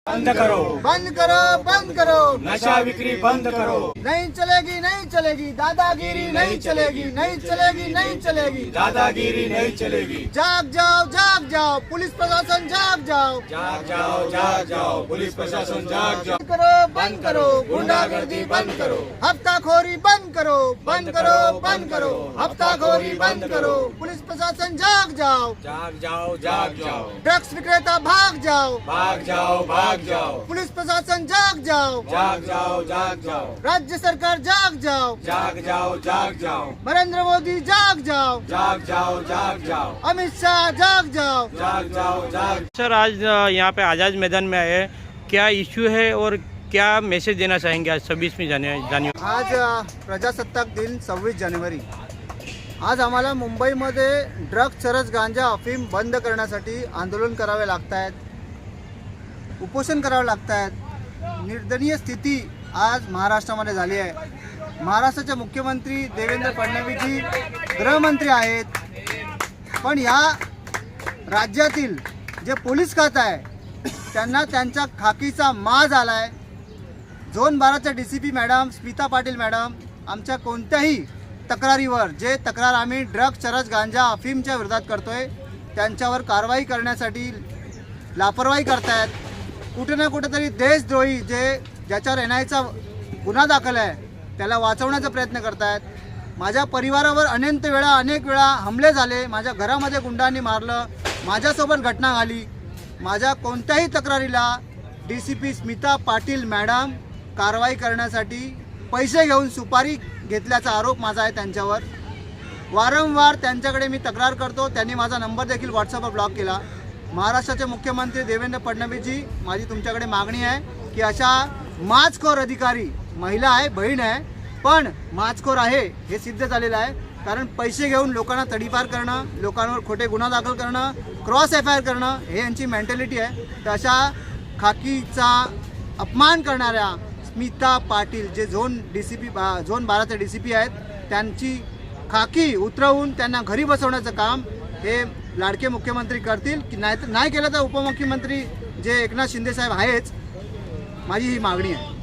बंद करो, बंद करो, बंद करो। नशा बिक्री बंद करो। नहीं चलेगी, नहीं चलेगी, दादागिरी नहीं चलेगी, नहीं चलेगी, नहीं चलेगी, दादागिरी नहीं चलेगी। जाग जाओ, पुलिस प्रशासन जाग जाओ, जाग जाओ, जाग जाओ, पुलिस प्रशासन जाग जाओ। बंद करो, गुंडागर्दी बंद करो, हफ्ताखोरी बंद करो, बंद करो, बंद करो, हफ्ताखोरी बंद करो, पुलिस प्रशासन जाग जाओ, जाग जाओ, जाग जाओ, ड्रग्स विक्रेता भाग जाओ, भाग जाओ, भाग जाओ, पुलिस प्रशासन जाग जाओ, जाग जाओ, जाग जाओ, राज्य सरकार जाग जाओ, जाग जाओ, जाग जाओ, नरेंद्र मोदी जाग जाओ, जाग जाओ, जाग जाओ, अमित शाह जाग जाओ, जाग जाओ, जाग। सर आज यहाँ पे आज़ाद मैदान में आए, क्या इश्यू है और क्या मैसेज देना चाहेंगे आज 26वीं जानेवारी? आज प्रजासत्ताक दिन 26 जानेवारी। आज आम्हाला मुंबईमध्ये ड्रग्ज, चरस, गांजा, अफीम बंद करण्यासाठी आंदोलन करावे लागत आहेत, उपोषण करावे लागत आहेत। निर्दयनीय स्थिती आज महाराष्ट्रामध्ये झाली आहे। महाराष्ट्राचे मुख्यमंत्री देवेंद्र फडणवीसजी गृहमंत्री आहेत, पण या राज्यातील जे पोलीस खातं आहे त्यांना त्यांचा खाकीचा माज आला आहे। झोन 12च्या DCP madam Smita Patil madam आमच्या कोणत्याही तक्रारीवर, जे तक्रार आम्ही ड्रग्ज, चरस, गांजा, अफीमच्या विरोधात करतोय, त्यांच्यावर कारवाई करण्यासाठी लापरवाही करतायत। कुठे ना कुठेतरी देशद्रोही ज्याच्यावर NIAचा गुन्हा दाखल आहे त्याला वाचवण्याचा प्रयत्न करतायत। माझ्या परिवारावर अनेक वेळा हमले झाले, माझ्या घरामध्ये गुंडांनी मारलं, माझ्यासोबत घटना झाली। माझ्या कोणत्याही तक्रारीला DCP स्मिता पाटील मॅडम कारवाई करण्यासाठी पैसे घेऊन सुपारी घेतल्याचा आरोप माझा आहे त्यांच्यावर। वारंवार त्यांच्याकडे मी तक्रार करतो, त्यांनी माझा नंबर देखील व्हॉट्सअपवर ब्लॉक केला। महाराष्ट्राचे मुख्यमंत्री देवेंद्र फडणवीसजी, माझी तुमच्याकडे मागणी आहे की अशा माचखोर अधिकारी, महिला आहे, बहीण आहे, पण माचखोर आहे हे सिद्ध झालेलं आहे। कारण पैसे घेऊन लोकांना तडीपार करणं, लोकांवर खोटे गुन्हा दाखल करणं, क्रॉस FIR करणं हे यांची मेंटॅलिटी आहे। तर अशा खाकीचा अपमान करणाऱ्या स्मिता पाटील, जे झोन 12चे DCP आहेत, त्यांची खाकी उतरवून त्यांना घरी बसवण्याचं काम हे लाडके मुख्यमंत्री करतील की नाही केलं तर उपमुख्यमंत्री जे एकनाथ शिंदे साहेब आहेच। माझी ही मागणी आहे।